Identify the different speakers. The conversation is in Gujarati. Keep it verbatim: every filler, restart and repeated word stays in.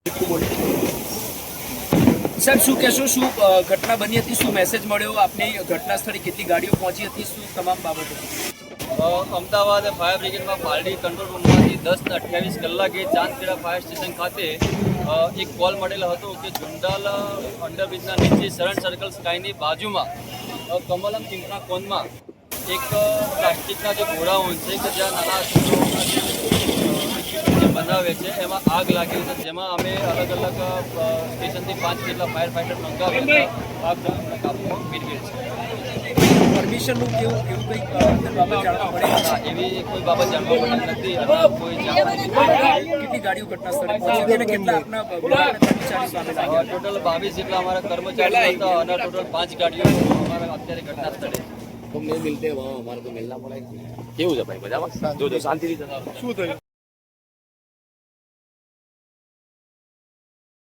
Speaker 1: સાહેબ શું કહેશો, શું ઘટના બની હતી, શું મેસેજ મળ્યો આપને ઘટના સ્થળે, કેટલી ગાડીઓ પહોંચી હતી, શું તમામ બાબતો?
Speaker 2: અમદાવાદ ફાયર બ્રિગેડમાં પાલડી કંટ્રોલ રૂમમાંથી દસ ને અઠ્યાવીસ કલાકે ચાંદખેડા ફાયર સ્ટેશન ખાતે એક કોલ મળેલો હતો કે જુંડાલ અંડરબ્રિજના નીચે શરણ સર્કલ સ્કાયની બાજુમાં કમલમ પિંપરા કોનમાં એક પ્લાસ્ટિકના જે ગોળાઓ છે કે જ્યાં નાના જે બનાવે છે એમાં આગ લાગી છે, જેમાં અમે અલગ અલગ સ્ટેશનથી પાંચ જેટલા ફાયર ફાઈટર મંગાવી આગ કાબૂમાં મેળવેલ છે.
Speaker 1: પરમિશનનું કેવું એવું કંઈક બાબત જાણવા મળે?
Speaker 2: હા, એવી કોઈ બાબત જાણવા મળે નથી અને કોઈ
Speaker 1: કેટલી ગાડીઓ ઘટના સ્થળે પહોંચી અને કેટલા આપના કર્મચારી સામે લાગ્યા?
Speaker 2: ટોટલ બાવીસ જેટલા અમારા કર્મચારીઓ હતા અને ટોટલ પાંચ ગાડીઓ અમારા અત્યારે ઘટના સ્થળે.
Speaker 3: तो मिल मिलते हैं वहाँ हमारे को मिलना पड़ेगा. केवू है भाई मजाમાં? જો જો શાંતિથી. શું થયું?